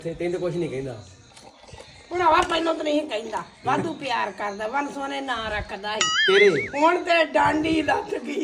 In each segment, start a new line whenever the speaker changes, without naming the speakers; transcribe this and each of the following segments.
ਤੈਨੂੰ ਕੁਝ ਨਹੀਂ ਕਹਿੰਦਾ
ਭਰਾਵਾ ਪਹਿਲਾਂ ਤਾਂ ਨਹੀਂ ਕਹਿੰਦਾ ਵਾਧੂ ਪਿਆਰ ਕਰਦਾ ਵਨ ਸੋਨੇ ਨਾਂ ਰੱਖਦਾ ਸੀ
ਤੇਰੇ
ਹੁਣ ਤੇ ਡਾਂਡੀ ਲੱਥ ਗਈ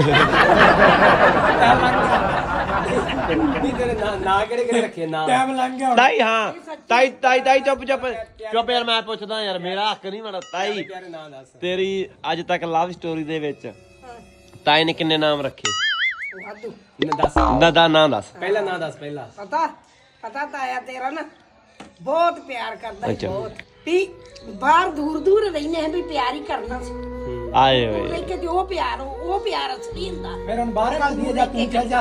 ਨਹੀਂ ਤੇਰੇ ਨਾਂ ਕਿਹੜੇ ਰੱਖੇ ਨਾਂ
ਟਾਈਮ ਲੰਘ ਗਿਆ
ਤਾਈ ਹਾਂ ਤਾਈ ਚੁੱਪ ਯਾਰ ਮੈਂ ਪੁੱਛਦਾ ਯਾਰ ਮੇਰਾ ਹੱਕ ਨਹੀਂ ਬਣਦਾ ਤਾਈ
ਪਿਆਰੇ ਨਾਂ ਦੱਸ
ਤੇਰੀ ਅੱਜ ਤੱਕ ਲਵ ਸਟੋਰੀ ਦੇ ਵਿੱਚ ਤਾਈ ਨੇ ਕਿੰਨੇ ਨਾਮ ਰੱਖੇ
ਵਾਧੂ
ਦੱਸ
ਦਾ ਨਾਂ ਦੱਸ
ਪਹਿਲਾ ਨਾਂ ਦੱਸ ਪਹਿਲਾ
ਪਤਾ ਤਾਂ ਆਇਆ ਤੇਰਾ ਨਾ ਬਹੁਤ ਪਿਆਰ ਕਰਦਾ ਸੀ
ਅੱਛਾ।
ਬਹੁਤ ਵੀ ਬਾਹਰ ਦੂਰ ਰਹਿੰਦੇ ਆ ਵੀ ਪਿਆਰ ਹੀ ਕਰਨਾ ਸੀ
ਆਏ ਓਏ
ਲੈ ਕੇ ਤੇ ਉਹ ਪਿਆਰ ਅਸਲੀ ਹੁੰਦਾ
ਫਿਰ ਹੁਣ ਬਾਹਰ ਕੱਢ ਦਈਏ ਜਾਂ ਤੂੰ ਚੱਲ ਜਾ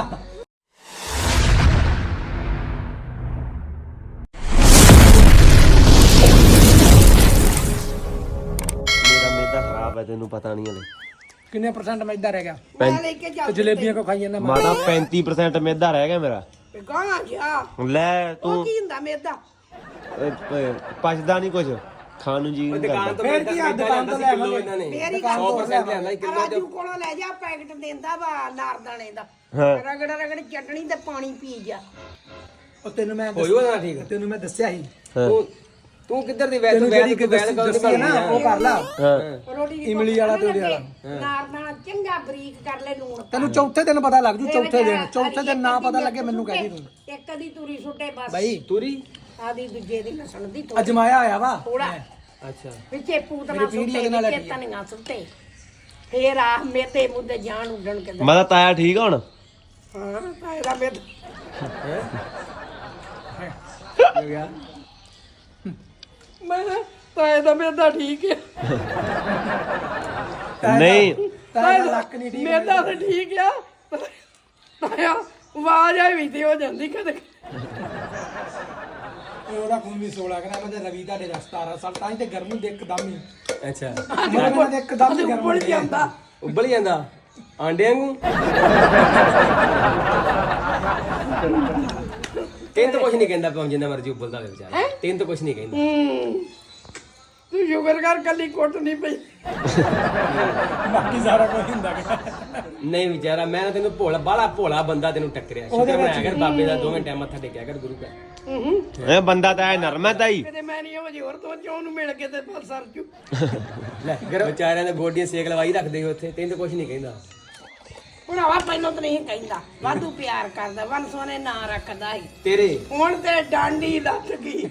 ਮੇਰਾ ਮੇਦਾ ਖਰਾਬ ਹੈ ਤੈਨੂੰ ਪਤਾ ਨਹੀਂ ਹਲੇ
ਕਿੰਨੇ % ਮੈਦਾ ਰਹਿ ਗਿਆ
ਮੈਂ ਲੈ ਕੇ ਜਾ
ਤੇ ਜਲੇਬੀਆਂ ਕੋ ਖਾਈ ਜਾਂਦਾ
ਮਾਤਾ 35% ਮੇਦਾ ਰਹਿ ਗਿਆ ਮੇਰਾ
ਗਾਣਾ ਗਿਆ
ਲੈ
ਉਹ
ਤੂੰ
ਕੀ ਹੁੰਦਾ ਮੇਦਾ
ਪਚਦਾ ਨਹੀਂ ਕੁਝ ਖਾਣ ਨੂੰ ਜੀ ਨਹੀਂ
ਦੁਕਾਨ
ਕਰਦਾ
ਤੋਂ
ਫਿਰ ਕੀ ਆ, ਦੁਕਾਨ ਤੋਂ ਲੈ
ਕਿਲੋ ਇਹਨਾਂ ਨੇ
ਮੇਰੀ ਗੱਲ
100% ਲਿਆਂਦਾ ਸੀ ਕਿਲੋ
ਰਾਜੂ ਕੋਲੋਂ ਲੈ ਜਾ ਪੈਕਟ ਦਿੰਦਾ ਵਾ ਨਾਰਦਾਣੇ ਦਾ
ਹਾਂ।
ਰਗੜ ਚਟਣੀ ਤੇ ਪਾਣੀ ਪੀ ਜਾ
ਉਹ ਤੈਨੂੰ ਮੈਂ
ਹੋਈ ਉਹਦਾ ਠੀਕ
ਤੈਨੂੰ ਮੈਂ ਦੱਸਿਆ ਸੀ
ਹਾਂ
ਤੂੰ ਕਿੱਧਰ ਦੀ ਵੈਸੇ
ਤੈਨੂੰ ਜਿਹੜੀ ਕਿ ਦੱਸੀ ਨਾ ਉਹ ਕਰ ਲਾ
ਹਾਂ
ਰੋਟੀ ਦੀ
ਇਮਲੀ ਵਾਲਾ ਤੇ ਉਹਦੇ ਵਾਲਾ
ਨਾਰਦਾਣਾ ਚੰਗਾ ਬਰੀਕ ਕਰ ਲੈ ਲੂਣ
ਤੈਨੂੰ ਚੌਥੇ ਦਿਨ ਪਤਾ ਲੱਗ ਜੂ ਚੌਥੇ ਦਿਨ ਨਾ ਪਤਾ ਲੱਗੇ ਮੈਨੂੰ ਕਹਿ ਦੀ ਤੂੰ
ਇੱਕ ਦੀ ਤੂਰੀ ਸੁੱਟੇ ਬਸ
ਬਾਈ
ਤੁਰੀ
ਆਦੀ ਦੂਜੇ ਦੀ ਲਸਣ ਦੀ ਥੋੜੀ
ਅਜਮਾਇਆ ਆਇਆ ਵਾ
ਥੋੜਾ
ਅੱਛਾ
ਵਿੱਚੇ ਪੂਤਨਾ
ਮੇਰੀ ਪੀੜ੍ਹੀ
ਸੁੱਟੇ
ਉਹਦੇ ਨਾਲ
ਵਿੱਚੇ
ਲੱਗੀ ਆ।
ਧਨੀਆ ਸੁੱਟੇ ਫੇਰ ਆ ਮੇਤੇ ਮੁੱਦੇ ਜਾਣ ਉੱਡਣ ਕੇ
ਮਾਤਾ ਤਾਇਆ ਠੀਕ ਹੁਣ
ਹਾਂ ਤਾਂ ਇਹਦਾ ਮੇਤ
ਹੋ ਗਿਆ
ਮੈਂ ਤਾਂ ਇਹਦਾ ਮੇਦਾ ਠੀਕ ਹੈ
ਨਹੀਂ
ਤਾਂ ਲੱਕ ਨਹੀਂ ਠੀਕ
ਮੇਦਾ ਤਾਂ ਠੀਕ ਆ ਤਾਇਆ ਆਵਾਜ਼ ਆਈ ਵੀ ਤੇ ਹੋ ਜਾਂਦੀ ਕਦੇ
ਉਹਦਾ ਖੂਨ ਵੀ 16 ਗ੍ਰਾਮ ਤੇ ਰਵੀ ਦਾ 17 ਸਾਲ ਤਾਂ ਹੀ ਤੇ ਗਰਮੀ ਦੇ ਇੱਕਦਮ ਹੀ
ਅੱਛਾ
ਉਹਨਾਂ ਦੇ ਇੱਕਦਮ ਹੀ ਗਰਮ
ਉੱਪਰ ਜਾਂਦਾ
ਉੱਬਲ ਜਾਂਦਾ ਆਂਡੇ ਵਾਂਗੂ ਤੈਨੂੰ ਤਾਂ ਕੁਝ ਨਹੀਂ ਕਹਿੰਦਾ ਭਾਵੇਂ ਜਿੰਨਾ ਮਰਜ਼ੀ ਉੱਬਲਦਾ ਹੋਵੇ ਵਿਚਾਰਾ ਤੈਨੂੰ ਤਾਂ ਕੁਝ ਨਹੀਂ ਕਹਿੰਦਾ
ਤੂੰ ਸ਼ੁਕਰ ਕਰ ਕੱਲੀ ਕੁੱਟ ਨਹੀਂ ਪਈ
ਬਾਕੀ ਸਾਰਾ ਕੁਝ ਹੁੰਦਾ ਗਾ।
ਨਹੀਂ ਵਿਚਾਰਾ ਮੈਂ ਨਾ ਤੈਨੂੰ ਬਾਹਲਾ ਭੋਲਾ ਬੰਦਾ ਤੈਨੂੰ ਟੱਕਰਿਆ ਸ਼ੁਕਰ ਬਣਾਇਆ ਕਰ ਬਾਬੇ ਦਾ 2 ਟਾਈਮ ਮੱਥਾ ਟੇਕਿਆ ਕਰ ਗੁਰੂ ਘਰ
ਇਹ ਬੰਦਾ ਤਾਂ ਐ ਨਰਮ ਹੈ ਤਾਈ
ਕਿਤੇ ਮੈਂ ਨਹੀਂ ਉਹ ਹੋਰ ਤੋਂ ਚੋਂ ਨੂੰ ਮਿਲ ਕੇ ਤੇ ਬਸ ਸਰ ਚੁ
ਲੈ ਵਿਚਾਰਿਆਂ ਦੇ ਗੋਡੀਆਂ ਸੇਕ ਲਵਾਈ ਰੱਖਦੇ ਹੋ ਉੱਥੇ ਤੈਨੂੰ ਤਾਂ ਕੁਝ ਨਹੀਂ ਕਹਿੰਦਾ
ਭਰਾਵਾ ਪਹਿਲਾਂ ਤਾਂ ਨਹੀਂ ਕਹਿੰਦਾ ਵਾਧੂ ਪਿਆਰ ਕਰਦਾ ਵਨ ਸੋਨੇ ਨਾਂ ਰੱਖਦਾ ਸੀ
ਤੇਰੇ
ਹੁਣ ਤੇ ਡਾਂਡੀ ਲੱਥ ਗਈ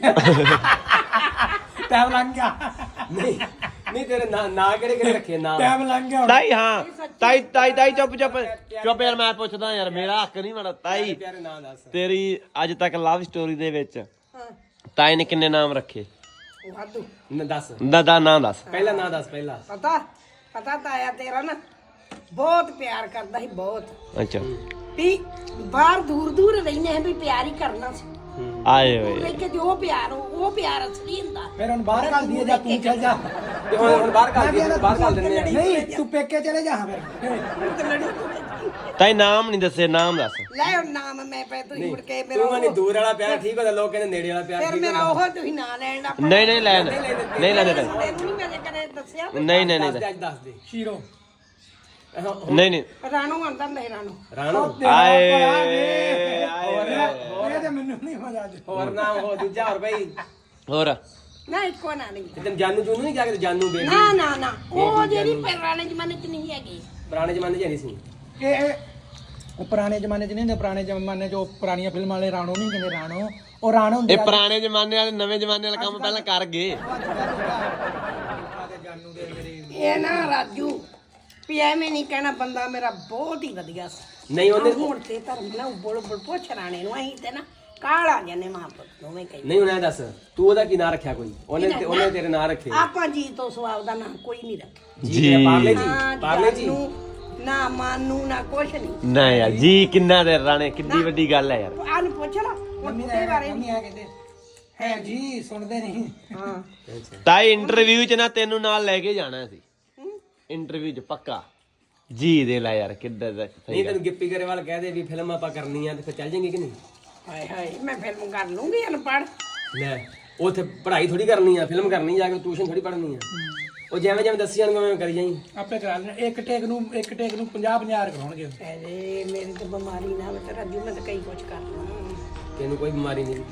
ਟਾਈਮ ਲੰਘ ਗਿਆ
ਨਹੀਂ ਤੇਰੇ ਨਾਂ ਕਿਹੜੇ ਰੱਖੇ ਨਾਂ
ਟਾਈਮ ਲੰਘ ਗਿਆ
ਤਾਈ ਹਾਂ ਤਾਈ ਚੁੱਪ ਯਾਰ ਮੈਂ ਪੁੱਛਦਾ ਯਾਰ ਮੇਰਾ ਹੱਕ ਨਹੀਂ ਬਣਦਾ ਤਾਈ
ਪਿਆਰੇ ਨਾਂ ਦੱਸ
ਤੇਰੀ ਅੱਜ ਤੱਕ ਲਵ ਸਟੋਰੀ ਦੇ ਵਿੱਚ
ਹਾਂ
ਤਾਈ ਨੇ ਕਿੰਨੇ ਨਾਮ ਰੱਖੇ
ਵਾਧੂ
ਦੱਸ
ਦਾ ਨਾਂ ਦੱਸ
ਪਹਿਲਾ ਨਾਂ ਦੱਸ ਪਹਿਲਾ
ਪਤਾ ਤਾਂ ਆਇਆ ਤੇਰਾ ਨਾ ਬਹੁਤ ਪਿਆਰ ਕਰਦਾ ਸੀ ਬਹੁਤ
ਅੱਛਾ
ਵੀ ਬਾਹਰ ਦੂਰ ਰਹਿੰਦੇ ਆ ਵੀ ਪਿਆਰ ਹੀ ਕਰਨਾ ਸੀ
ਆਏ ਓਏ
ਲੈ ਕੇ ਤੇ ਉਹ ਪਿਆਰ ਅਸਲੀ ਹੁੰਦਾ
ਫਿਰ ਹੁਣ ਬਾਹਰ ਕੱਢ ਦਈਏ ਜਾਂ ਤੂੰ ਚੱਲ ਜਾ
ਤੇ ਹੁਣ ਬਾਹਰ ਕਰ ਦਿੰਦੇ ਆ
ਨਹੀਂ ਤੂੰ ਪੇਕੇ ਚਲੇ ਜਾ ਫਿਰ
ਤਾਈ ਨਾਮ ਨਹੀਂ ਦੱਸੇ ਨਾਮ ਦੱਸ
ਲੈ ਹੁਣ ਨਾਮ ਮੈਂ ਪੈ ਤੂੰ ਮੁੜ ਕੇ ਮੇਰਾ
ਤੂੰ ਕਹਿੰਦੀ ਦੂਰ ਵਾਲਾ ਪਿਆਰ ਠੀਕ ਹੁੰਦਾ ਲੋਕ ਕਹਿੰਦੇ ਨੇੜੇ ਵਾਲਾ ਪਿਆਰ
ਫਿਰ
ਠੀਕ
ਮੇਰਾ ਉਹ ਤੁਸੀਂ ਨਾਂ ਲੈਣ ਦਾ
ਨਹੀਂ ਲੈਣ ਨਹੀਂ ਲੈਣ
ਤੈਨੂੰ ਨਹੀਂ ਮੈਂ ਕਦੇ ਦੱਸਿਆ
ਨਹੀਂ
ਹੁੰਦਾ ਦੱਸ ਦੇ
ਸ਼ੀਰੋ
ਨਹੀਂ
ਰਾਣੋ ਆਂਦਾ ਨਹੀਂ ਰਾਣੋ
ਰਾਣੋ
ਆਏ
ਇਹ ਤੇ ਮੈਨੂੰ ਨਹੀਂ ਮਜ਼ਾ ਅੱਜ
ਹੋਰ ਨਾਮ ਹੋ ਦੂਜਾ ਹੋਰ ਬਈ
ਹੋਰ
ਨਾ ਇੱਕੋ ਨਾ ਨਹੀਂ
ਤੈਨੂੰ ਜਾਨੂ ਜੂਨੂ ਨਹੀਂ ਜਾ ਕੇ ਜਾਨੂ ਬੇਬੀ
ਨਾ ਉਹ ਜਿਹੜੀ ਪੁਰਾਣੇ ਜ਼ਮਾਨੇ 'ਚ ਨਹੀਂ ਹੈਗੀ
ਪੁਰਾਣੇ ਜ਼ਮਾਨੇ 'ਚ ਨਹੀਂ ਸੀ
ਇਹ ਉਹ ਪੁਰਾਣੇ ਜ਼ਮਾਨੇ 'ਚ ਨਹੀਂ ਹੁੰਦੇ ਪੁਰਾਣੇ ਜ਼ਮਾਨੇ 'ਚ ਉਹ ਪੁਰਾਣੀਆਂ ਫਿਲਮਾਂ ਵਾਲੇ ਰਾਣੋ ਨਹੀਂ ਕਹਿੰਦੇ ਰਾਣੋ ਉਹ ਰਾਣੋ ਹੁੰਦੇ
ਇਹ ਪੁਰਾਣੇ ਜ਼ਮਾਨੇ ਵਾਲੇ ਨਵੇਂ ਜ਼ਮਾਨੇ ਵਾਲਾ ਕੰਮ ਪਹਿਲਾਂ ਕਰ ਗਏ
ਇਹ ਨਾ ਰਾਜੂ ਵੀ ਐਵੇਂ ਨਹੀਂ ਕਹਿਣਾ ਬੰਦਾ ਮੇਰਾ ਬਹੁਤ ਹੀ ਵਧੀਆ ਸੀ
ਨਹੀਂ ਉਹਨੇ
ਹੁਣ ਤੇ ਧਰਮ ਨਾ ਉੱਬਲ ਪੁੱਛ ਰਾਣੇ ਨੂੰ ਅਸੀਂ ਤੇ ਨਾ ਕਾਲਾ ਜਾਨੇ ਮਾਂ ਪੁੱਤ ਦੋਵੇਂ ਕਹੀ
ਨਹੀਂ ਉਹਨੇ ਦੱਸ ਤੂੰ ਉਹਦਾ ਕੀ ਨਾਂ ਰੱਖਿਆ ਕੋਈ ਉਹਨੇ ਤੇਰੇ ਨਾਂ ਰੱਖੇ
ਆਪਾਂ ਜੀ ਤੋਂ ਸਵਾਬ ਦਾ ਨਾਂ ਕੋਈ ਨਹੀਂ ਰੱਖਿਆ
ਜੀ
ਪਾਰਲੇ ਜੀ
ਨਾ ਮਾਨੂ ਨਾ ਕੁਛ ਨਹੀਂ
ਨਾ ਯਾਰ ਜੀ ਕਿੰਨਾ ਦੇ ਰਾਣੇ ਕਿੱਡੀ ਵੱਡੀ ਗੱਲ ਹੈ ਯਾਰ
ਆਨੂੰ ਪੁੱਛ ਲਾ ਹੁਣ ਤੇ ਬਾਰੇ
ਮੰਮੀ ਆ ਕਹਿੰਦੇ ਹੈ ਜੀ ਸੁਣਦੇ ਨਹੀਂ
ਹਾਂ
ਤਾਈ ਇੰਟਰਵਿਊ 'ਚ ਨਾ ਤੈਨੂੰ ਨਾਲ ਲੈ ਕੇ ਜਾਣਾ ਸੀ ਇੰਟਰਵਿਊ 'ਚ ਪੱਕਾ ਜੀ ਦੇ ਲੈ ਯਾਰ ਕਿੱਦਾਂ ਦਾ
ਨਹੀਂ ਤੈਨੂੰ ਗਿੱਪੀ ਗਰੇਵਾਲ ਕਹਿ ਦੇ ਵੀ ਫਿਲਮ ਆਪਾਂ ਕਰਨੀ ਆ ਤੇ ਫਿਰ ਚੱਲ ਜਾਏਂਗੇ ਕਿ ਨਹੀਂ
ਹਾਏ ਹਾਏ ਮੈਂ ਫਿਲਮ ਕਰ ਲੂੰਗੀ ਅਨਪੜ੍ਹ
ਲੈ ਉੱਥੇ ਪੜ੍ਹਾਈ ਥੋੜੀ ਕਰਨੀ ਆ ਫਿਲਮ ਕਰਨੀ ਜਾ ਕੇ ਟਿਊਸ਼ਨ ਥੋੜੀ ਪੜ੍ਹਨੀ ਆ ਉਹ ਜਿਵੇਂ ਦੱਸੀ ਜਾਣਗੇ ਮੈਂ ਕਰੀ ਜਾਈਂ
ਆਪੇ ਕਰਾ ਲੈਣਾ ਇੱਕ ਟੇਕ ਨੂੰ 50 ਕਰਾਉਣਗੇ
ਅਰੇ ਮੇਰੀ ਤਾਂ ਬਿਮਾਰੀ ਨਾ ਮੈਂ ਤਾਂ ਰਾਜੂ ਮੈਂ ਤਾਂ ਕਈ ਕੁਛ ਕਰ ਲਾਂ
ਤੈਨੂੰ ਕੋਈ ਬਿਮਾਰੀ ਨਹੀਂ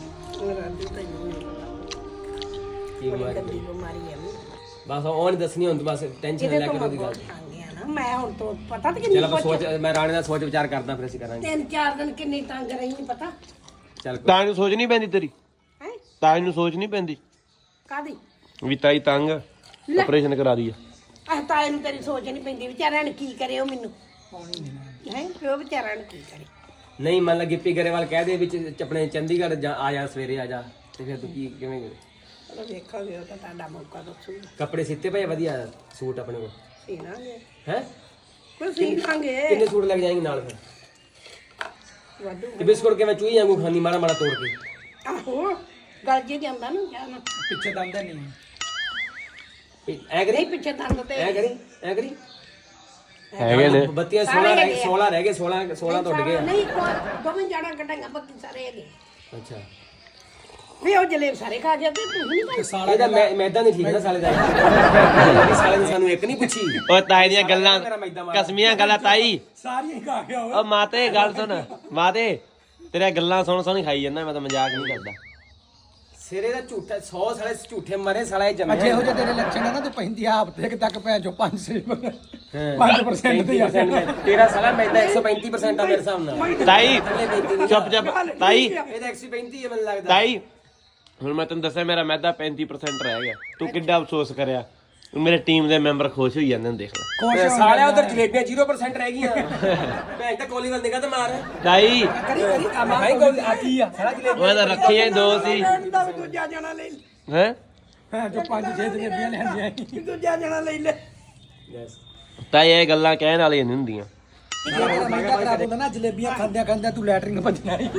ਰਾਜੂ ਤੈਨੂੰ ਨਹੀਂ ਪਤਾ
ਕੀ ਬਿਮਾਰੀ
ਗੰਦੀ ਬਿਮਾਰੀ ਹੈ
ਬਸ ਉਹ ਨਹੀਂ ਦੱਸਣੀ ਹੁਣ ਬਸ ਟੈਨਸ਼ਨ
ਇਹਦੇ
ਲੈ
ਤੋਂ
ਕੇ
ਮੈਂ
ਉਹਦੀ ਗੱਲ
ਬਹੁਤ ਤੰਗ ਆ ਨਾ ਮੈਂ ਹੁਣ ਤੋਂ ਪਤਾ ਤੇ ਕਿੰਨੀ
ਚਲ ਆਪਾਂ ਸੋਚ ਮੈਂ ਰਾਣੇ ਦਾ ਸੋਚ ਵਿਚਾਰ ਕਰਦਾ ਫਿਰ ਅਸੀਂ ਕਰਾਂਗੇ
3-4 ਦਿਨ ਕਿੰਨੀ ਤੰਗ ਰਹੀ ਨਹੀਂ ਪਤਾ
ਚੱਲ
ਤਾਂ ਨੂੰ ਸੋਚ ਨਹੀਂ ਪੈਂਦੀ ਤੇਰੀ
ਹੈ
ਤਾਂ ਨੂੰ ਸੋਚ ਨਹੀਂ ਪੈਂਦੀ
ਕਾਦੀ
ਵੀ ਤਾਈ ਤੰਗ ਆਪਰੇਸ਼ਨ ਕਰਾ ਦੀ ਆ
ਤਾਏ ਨੂੰ ਤੇਰੀ ਸੋਚ ਨਹੀਂ ਪੈਂਦੀ ਵਿਚਾਰਿਆਂ ਨੇ ਕੀ ਕਰੇ ਉਹ ਮੈਨੂੰ ਹੈ ਪਿਓ ਵਿਚਾਰਿਆਂ ਨੇ ਕੀ ਕਰੇ
ਨਹੀਂ ਮੰਨ ਲਾ ਗਿੱਪੀ ਗਰੇਵਾਲ ਕਹਿ ਦੇ ਵਿੱਚ ਆਪਣੇ ਚੰਡੀਗੜ੍ਹ ਜਾ ਆ ਜਾ ਸਵੇਰੇ ਆ ਜਾ ਤੇ ਫਿਰ ਤੂੰ ਕੀ ਕਿਵੇਂ
ਚਲੋ ਵੇਖਾਂਗੇ ਉਹ ਤਾਂ ਤੁਹਾਡਾ ਮੌਕਾ ਦੱਸੂਗਾ
ਕੱਪੜੇ ਸਿੱਤੇ ਪਏ ਆ ਵਧੀਆ ਸੂਟ ਆਪਣੇ ਕੋਲ
ਸੀਣਾਂਗੇ
ਹੈ
ਕੋਈ ਸੀਣਾਂਗੇ
ਕਿੰਨੇ ਸੂਟ ਲੱਗ ਜਾਣਗੇ ਨਾਲ ਫਿਰ
ਵਾਧੂ
ਤੇ ਬਿਸਕੁਟ ਕਿਵੇਂ ਚੂਹੀ ਵਾਂਗੂ ਖਾਂਦੀ ਮਾੜਾ ਮਾੜਾ ਤੋੜ ਕੇ
ਆਹੋ ਗੱਲ ਜੇ ਜਾਂਦਾ ਨਾ ਜਾਣਾ
ਪਿੱਛੇ ਦੰਦ ਨਹੀਂ
ਐ ਕਰੀ
ਨਹੀਂ ਪਿੱਛੇ ਦੰਦ ਤੇ
ਐ ਕਰੀ
ਹੈਗੇ ਨੇ
ਬੱਤੀਆਂ 16 ਰਹਿ ਗਏ 16 ਟੁੱਟ ਗਏ
ਨਹੀਂ ਦੋਵੇਂ ਜਾਣਾ ਕੱਢਾਂਗਾ ਬਾਕੀ ਸਾਰੇ ਹੈਗੇ
ਅੱਛਾ
ਵੀ ਉਹ ਜਲੇਬ ਸਾਰੇ ਖਾ ਗਿਆ ਤੇ ਤੂੰ ਨਹੀਂ ਖਾਈ
ਇਹਦਾ ਮੈਦਾ ਨਹੀਂ ਠੀਕ ਨਾ ਸਾਲੇ ਦਾ ਸਾਲੇ ਨੇ ਸਾਨੂੰ ਇੱਕ ਨਹੀਂ ਪੁੱਛੀ
ਓ ਤਾਈ ਦੀਆਂ ਗੱਲਾਂ ਕਸਮੀਆਂ ਗੱਲਾਂ ਤਾਈ
ਸਾਰੀਆਂ ਹੀ ਖਾ ਗਿਆ
ਓ ਮਾਤੇ ਗੱਲ ਸੁਣ ਮਾਤੇ ਤੇਰੀਆਂ ਗੱਲਾਂ ਸੁਣ ਸੁਣ ਖਾਈ ਜਾਂਦਾ ਮੈਂ ਤਾਂ ਮਜ਼ਾਕ ਨਹੀਂ ਕਰਦਾ
ਸਿਰੇ ਦਾ ਝੂਠਾ 100 ਸਾਲੇ ਝੂਠੇ ਮਰੇ ਸਾਲਾ ਇਹ ਜੰਮਿਆ
ਜਿਹੋ ਜਿਹੇ ਤੇਰੇ ਲੱਛਣ ਆ ਨਾ ਤੂੰ ਪੈਂਦੀ ਆਪ ਤੇ ਤੱਕ ਪੈ ਜੋ 5% ਤੇ ਆ
ਤੇਰਾ ਸਾਲਾ ਮੈਦਾ 135% ਆ ਮੇਰੇ ਹਿਸਾਬ ਨਾਲ
ਤਾਈ ਚੁੱਪ ਚੁੱਪ ਤਾਈ
ਇਹਦਾ 135 ਹੈ ਮੈਨੂੰ ਲੱਗਦਾ
ਤਾਈ ਹੁਣ ਮੈਂ ਤੈਨੂੰ ਦੱਸਿਆ ਮੇਰਾ ਮੈਦਾ 35% ਰਹਿ ਗਿਆ ਤੂੰ ਕਿੱਡਾ ਅਫਸੋਸ ਕਰਿਆ ਮੇਰੇ ਟੀਮ ਦੇ ਮੈਂਬਰ ਖੁਸ਼ ਹੋਈ ਜਾਂਦੇ ਨੇ ਦੇਖ ਲੈ
ਸਾਲਿਆ ਉਧਰ ਜਲੇਬੀਆਂ 0% ਰਹਿ ਗਈਆਂ ਭੈਣ ਤਾਂ ਕੋਲੀ ਵੱਲ ਨਿਗਾਹ ਤੇ ਮਾਰ
ਤਾਈ
ਕਰੀ ਆ ਭਾਈ ਗੋਲ ਆ ਕੀ ਆ
ਸਾਲਾ ਜਲੇਬੀ
ਉਹ ਤਾਂ ਰੱਖੀਆਂ ਹੀ ਦੋ ਸੀ
ਦੂਜਾ ਜਣਾ ਲੈ
ਹੈ
ਹਾਂ ਜੋ 5-6 ਜਲੇਬੀਆਂ ਲੈਂਦੀਆਂ
ਦੂਜਾ ਜਣਾ ਲੈ ਲੈ
ਯੈਸ
ਤਾਈ ਇਹ ਗੱਲਾਂ ਕਹਿਣ ਵਾਲੀਆਂ ਨਹੀਂ ਹੁੰਦੀਆਂ
ਮੈਂ ਖਰਾਬ ਹੁੰਦਾ ਨਾ ਜਲੇਬੀਆਂ ਖਾਂਦਿਆਂ ਖਾਂਦਿਆਂ ਤੂੰ ਲੈਟਰਿੰਗ ਭੱਜਣਾ ਹੀ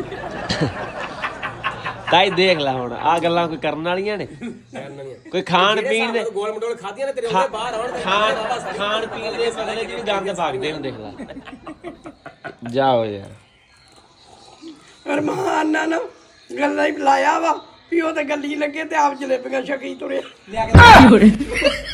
ਤਾਈ ਦੇਖ ਲੈ ਹੁਣ ਆ ਗੱਲਾਂ ਕੋਈ ਕਰਨ ਵਾਲੀਆਂ ਨੇ ਕੋਈ ਖਾਣ ਪੀਣ ਦੇ
ਗੋਲ ਮਟੋਲ ਖਾਧੀਆਂ ਨੇ ਤੇਰੇ ਉਹਦੇ ਬਾਹਰ ਆਉਣ
ਖਾਣ ਪੀਣ ਦੇ ਬਦਲੇ ਚ ਵੀ ਗੰਦ ਭਾਗਦੇ ਨੇ ਦੇਖ ਲੈ ਜਾਓ ਯਾਰ
ਅਰਮਾਨ ਨਾ ਗੱਲਾਂ ਹੀ ਬੁਲਾਇਆ ਵਾ ਵੀ ਉਹ ਤੇ ਗੱਲੀ ਲੱਗੇ ਤੇ ਆਪ ਜਲੇਬੀਆਂ ਛਕੀ ਤੁਰੇ
ਲਿਆ ਕੇ